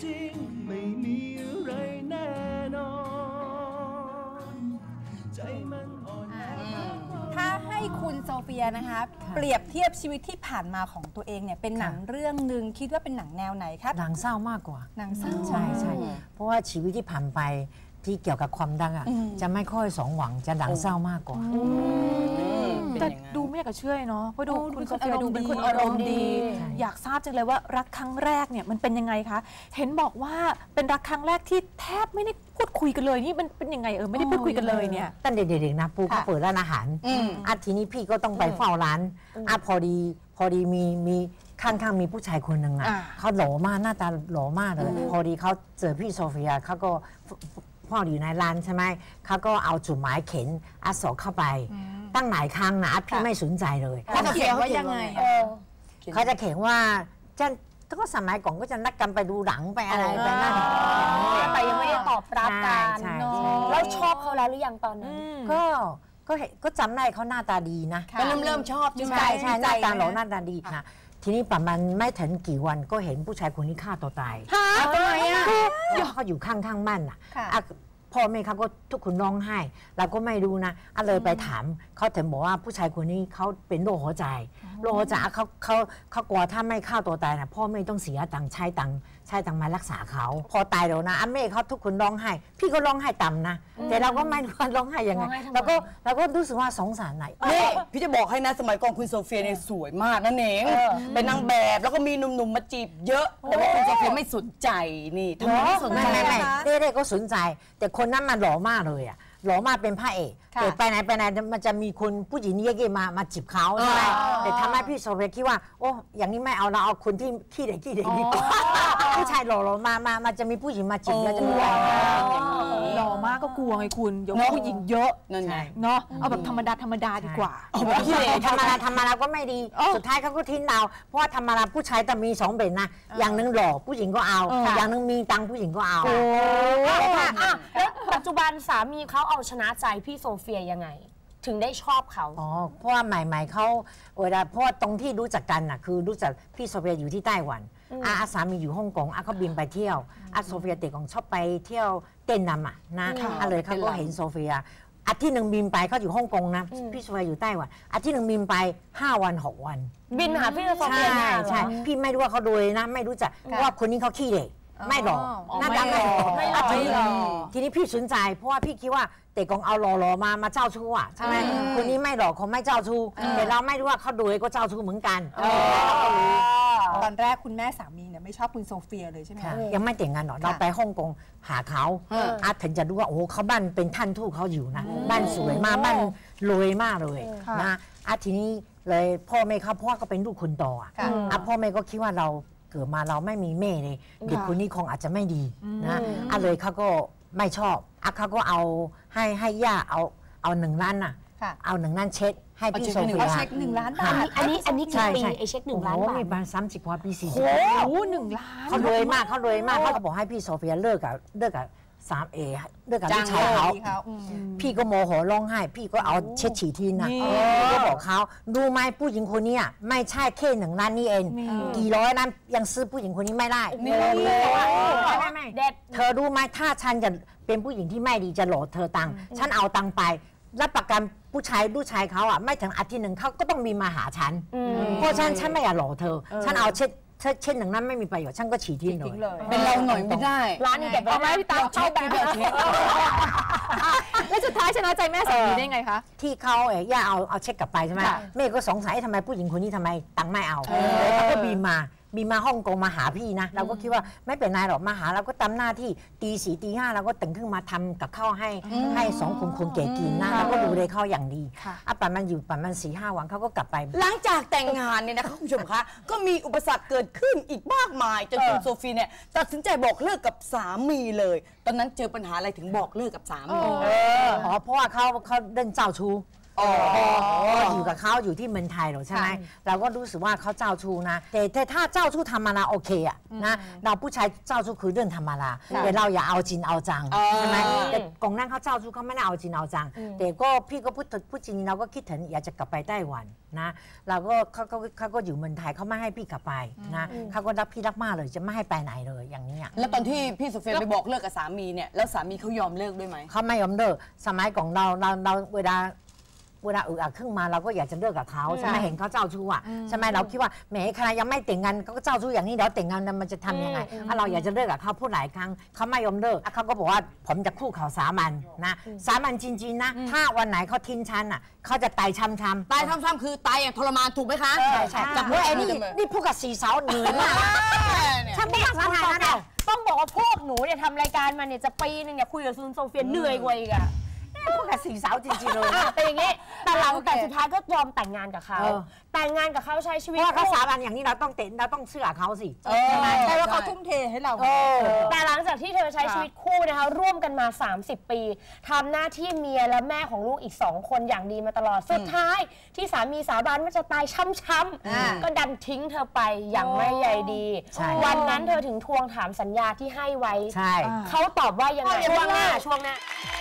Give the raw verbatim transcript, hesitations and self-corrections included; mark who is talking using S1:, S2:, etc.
S1: ริงไม่มีอะไรแน่นอนใจมันอ่อนแอ
S2: ถ้าให้คุณโซเฟียนะคะเปรียบเทียบชีวิตที่ผ่านมาของตัวเองเนี่ยเป็นหนังเรื่องหนึ่งคิดว่าเป็นหนังแนวไหนครับ
S3: หนังเศร้ามากกว่า
S2: หนังเศร้า
S3: ใช่ใช่เพราะว่าชีวิตที่ผ่านไปที่เกี่ยวกับความดังอ่ะจะไม่ค่อยสมหวังจะหนังเศร้ามากกว่า
S4: แต่ดูไม่อยากจะเชื่อเนาะเพราะดูคุณโซเฟียดูเป็นคนอารมณ์ดีอยากทราบจังเลยว่ารักครั้งแรกเนี่ยมันเป็นยังไงคะเห็นบอกว่าเป็นรักครั้งแรกที่แทบไม่ได้พูดคุยกันเลยนี่มันเป็นยังไงเออไม่ได้พูดคุยกันเลยเนี่ย
S3: ตั้งเด็กๆนะปูเขาเปิดร้านอาหารอ่ะทีนี้พี่ก็ต้องไปเฝ้าร้านอ่ะพอดีพอดีมีมีข้างๆมีผู้ชายคนหนึ่งอ่ะเขาหล่อมากหน้าตาหล่อมากเลยพอดีเขาเจอพี่โซเฟียเขาก็พ่ออยู่ในร้านใช่ไหมเขาก็เอาจุดหมายเข็นอาสอเข้าไปตั้งหลายครั้งนะพี่ไม่สนใจเลย
S2: เขาจะเขียนว่ายังไง
S3: เขาจะเขียนว่าจะก็สมัยก่อนก็จะนัดกันไปดูหนังไปอะไรไปนั่น
S5: แต่ยังไม่ได้ตอบรับกันแล้วชอบเขาแล้วหรือยังตอนนั้น
S3: ก็ก็เห็นก็จำได้เขาหน้าตาดีนะ
S2: ก็เริ่มเริ่มชอบ
S3: ใช่ใช่หน้าตาหล่อหน้าตาดีนะทีนี้ประมาณไม่ถึงกี่วันก็เห็นผู้ชายคนนี้ฆ่าตัวตาย
S2: ทำไมอ่ะ
S3: เขาอยู่ข้างๆบ้านอ่ะพ่อแม่เขาก็ทุกคนร้องไห้เราก็ไม่รู้นะอะเลยไปถามเขาถึงบอกว่าผู้ชายคนนี้เขาเป็นโรคหัวใจโรคหัวใจเขาเขาเขากลัวถ้าไม่ฆ่าตัวตายนะพ่อแม่ต้องเสียตังค์ใช้ตังค์ใช้ตังค์มารักษาเขาพอตายแล้วนะอาแม่เขาทุกคนร้องไห้พี่ก็ร้องไห้ต่ำนะแต่เราก็ไม่รู้ว่าร้องไห้ยังไงเราก็เราก็รู้สึกว่าสงสารไหน
S6: นี่พี่จะบอกให้นะสมัยก่อนคุณโซเฟียเนี่ยสวยมากนั่นเองเป็นนางแบบแล้วก็มีหนุ่มๆมาจีบเยอะแต่ว่าคุณโซเฟียไม่สนใจนี่ทำไมไม่สนใจ
S3: ไม่ไม่ไม่ได้ก็สนใจแต่คนนั้นมันหล่อมากเลยอ่ะหล่อมากเป็นพระเอกแต่ไปไหนไปไหนมันจะมีคนผู้หญิงเย่ๆมามาจีบเขาใช่ไหมแต่ทำให้พี่โซเฟียคิดว่าโอ้อย่างนี้ไม่เอาเราเอาคนที่ขี้เด็กขี้เด็กดีกว่าผู้ชายหล่อๆมามามาจะมีผู้หญิงมาจีบแล้วจะมีอะไร
S4: หล่อมากก็กลัวไงคุณเดี๋ยวผู้หญิงเยอะนั่นไงเนาะเอาแบบธรรมดาธรรมดาดีกว่า
S3: ธรรมดาธรรมดาก็ไม่ดีสุดท้ายเขาก็ทิ้งเราเพราะว่าธรรมดาผู้ชายแต่มีสองแบบนะอย่างนึงหล่อผู้หญิงก็เอาอย่างนึงมีตังผู้หญิงก็เอา
S5: แล้วปัจจุบันสามีเขาเอาชนะใจพี่โซเฟียยังไงถึงได้ชอบเขา
S3: อ๋อเพราะว่าใหม่ๆเขาเวลาเพราะว่าตรงที่รู้จักกันน่ะคือรู้จักพี่โซเฟียอยู่ที่ไต้หวันอาสามีอยู่ฮ่องกงอาเขาบินไปเที่ยวอาโซเฟียเด็กของชอบไปเที่ยวเต้นนำอ่ะนะอะไรเขาก็เห็นโซเฟียอาทิตย์หนึ่งบินไปเขาอยู่ฮ่องกงนะพี่โซเฟียอยู่ไต้หวันอาทิตย์หนึ่งบินไปห้าวันหกวัน
S5: บินหาพี่โซเฟีย
S3: ใช่ใช่พี่ไม่รู้ว่าเขาโดยนะไม่รู้จักว่าคนนี้เขาขี้เด็กไม่หล่อหน้าตาไม่หล่อไม่หล่อทีนี้พี่สนใจเพราะว่าพี่คิดว่าเด็กของเอาหล่อๆมามาเจ้าชู้อ่ะใช่ไหมคนนี้ไม่หล่อคงไม่เจ้าชู้แต่เราไม่รู้ว่าเขาโดยก็เจ้าชู้เหมือนกัน
S2: ตอนแรกคุณแม่สามีเนี่ยไม่ชอบคุณโซเฟียเลยใช่ไหม
S3: ยังไม่แต่งงานหรอกเราไปฮ่องกงหาเขาอาถึงจะรู้ว่าโอ้เขาบ้านเป็นท่านทูตเขาอยู่นะบ้านสวยมากบ้านรวยมากเลยนะอาทีนี้เลยพ่อแม่เขาเพราะว่าเขาเป็นลูกคนโตอ่ะพ่อแม่ก็คิดว่าเราเกิดมาเราไม่มีแม่เลยเด็กคนนี้คงอาจจะไม่ดีนะอ่ะเลยเขาก็ไม่ชอบอ่ะเขาก็เอาให้ให้ย่าเอาเอาหนึ่งล้านน่ะเอาหนึ่งล้านเช็คให้พี่โซเฟีย
S2: เช็คหนึ่งล้านบาท
S5: อันนี้อันนี้กี่ปีไอเช็คหนึ่งล้านบาท
S3: มีประมาณสามสิบกว่าปีสี่สิบ
S2: โอ้หนึ่งล้าน
S3: เขารวยมากเขารวยมากเขาบอกให้พี่โซเฟียเลิกกับเลิกกับสามเอเลิกกับลูกชายเขาพี่ก็โมโหร้องไห้พี่ก็เอาเช็ดฉี่ทีนะก็บอกเขาดูไหมผู้หญิงคนนี้ไม่ใช่แค่หนึ่งล้านนี่เองกี่ร้อยนั้นยังซื้อผู้หญิงคนนี้ไม่ได้ไม่ไม่เด็ดเธอรู้ไหมถ้าฉันจะเป็นผู้หญิงที่ไม่ดีจะหลอกเธอตังค์ฉันเอาตังค์ไปรับประกันผู้ชายลูกชายเขาอ่ะไม่ถึงอาทิตย์หนึ่งเขาก็ต้องมีมาหาฉันเพราะฉันฉันไม่อยากหลอกเธอฉันเอาเช็ดเช่นหนึ่งนั้นไม่มีประโยชน์ช่างก็ฉีดทิ้งเลย
S6: เป็นเราหน่อยไม่ได้
S5: ร้านนี้เก็บ
S2: เอาไว้พี่ตาเข้าไปแล้วสุดท้ายชนะใจแม่สามีได้ไงคะ
S3: ที่เขาเอ๋ย่าเอาเอาเช็คกลับไปใช่ไหมแม่ก็สงสัยทำไมผู้หญิงคนนี้ทำไมตังค์ไม่เอาเลยเขาก็บีมาบีมาฮ่องกงมาหาพี่นะเราก็คิดว่าไม่เป็นไรหรอกมาหาเราก็ทำหน้าที่ตีสี่ตีห้าเราก็ตื่นขึ้นมาทำกับข้าวให้ให้สองคนคนเก๋กินนะเราก็ดูเลยเขาอย่างดีอ่ะประมาณอยู่ประมาณสี่ห้าวันเขาก็กลับไป
S6: หลังจากแต่งงานเนี่ยนะคะคุณผู้ชมคะก็มีอุปสรรคเกิดขึ้นอีกมากมายจนคุณโซฟีเนี่ยตัดสินใจบอกเลิกกับสามีเลยตอนนั้นเจอปัญหาอะไรถึงบอกเลิกกับสามี
S3: อ๋อเพราะว่าเขาเขาเดินเจ้าชู้อยู่กับเขาอยู่ที่เมืองไทยหรอใช่ไหมเราก็รู้สึกว่าเขาเจ้าชู้นะแต่แต่ถ้าเจ้าชู้ธรรมดาโอเคอะนะเราผู้ชายเจ้าชู้คือเรื่องธรรมดาแต่เราอย่าเอาจริงเอาจังใช่ไหมแต่กองนั้นเขาเจ้าชู้เขาไม่ได้เอาจริงเอาจังแต่ก็พี่ก็พูดพูดจริงเราก็คิดถึงอยากจะกลับไปไต้หวันนะเราก็เขาก็เขาก็อยู่เมืองไทยเขาไม่ให้พี่กลับไปนะเขาก็รักพี่รักมากเลยจะไม่ให้ไปไหนเลยอย่างนี้
S6: แล้วตอนที่พี่โซเฟียไปบอกเลิกกับสามีเนี่ยแล้วสามีเขายอมเลิกด้วยไหม
S3: เขาไม่ยอมเลิกสมัยก่อนเราเราเราเวลาเวลาอึกอักขึ้นมาเราก็อยากจะเลิกกับเขาใช่ไหมเห็นเขาเจ้าชู้อ่ะใช่ไหมเราคิดว่าแหมขณะยังไม่แต่งงานเขาก็เจ้าชู้อย่างนี้เดี๋ยวแต่งงานมันจะทำยังไงถ้าเราอยากจะเลิกกับเขาพูดหลายครั้งเขาไม่ยอมเลิกเขาก็บอกว่าผมจะคู่เขาสามันนะสามันจริงๆนะถ้าวันไหนเขาทิ้งฉันอ่ะเขาจะตายช้ำๆ
S6: ตายช้ำๆคือตายอย่างทรมานถูกไหมคะ
S3: ใช่ใช่จับด้วยไอ้นี่นี่พูดกับสีสาวเหนื่อยมากฉันไม่ภาษาไทยนะ
S5: ต้องบอกว่าพวกหนูเนี่ยทำรายการมาเนี่ยจะปีนึงเนี่ยคุยกับคุณโซเฟียเหนื่อยกว่าอีกอะ
S3: พวกกับสีสาวจริงๆเลย
S5: เป็นอย่างนี้แต่หลังแต่สุดท้ายก็ยอมแต่งงานกับเขาแต่งงานกับเขาใช้ชีวิต
S3: เพราะเขาสาบานอย่างนี้เราต้องเตะเราต้องเชื่อเขาสิ
S2: ใช่ว่าเขาทุ่มเทให้เรา
S5: แต่หลังจากที่เธอใช้ชีวิตคู่นะคะร่วมกันมาสามสิบปีทำหน้าที่เมียและแม่ของลูกอีกสองคนอย่างดีมาตลอดสุดท้ายที่สามีสาบานว่าจะตายช้ำๆก็ดันทิ้งเธอไปอย่างไม่ใยดีวันนั้นเธอถึงทวงถามสัญญาที่ให้ไว้เขาตอบว่ายังไงช่วงหน้าช่วงหน้า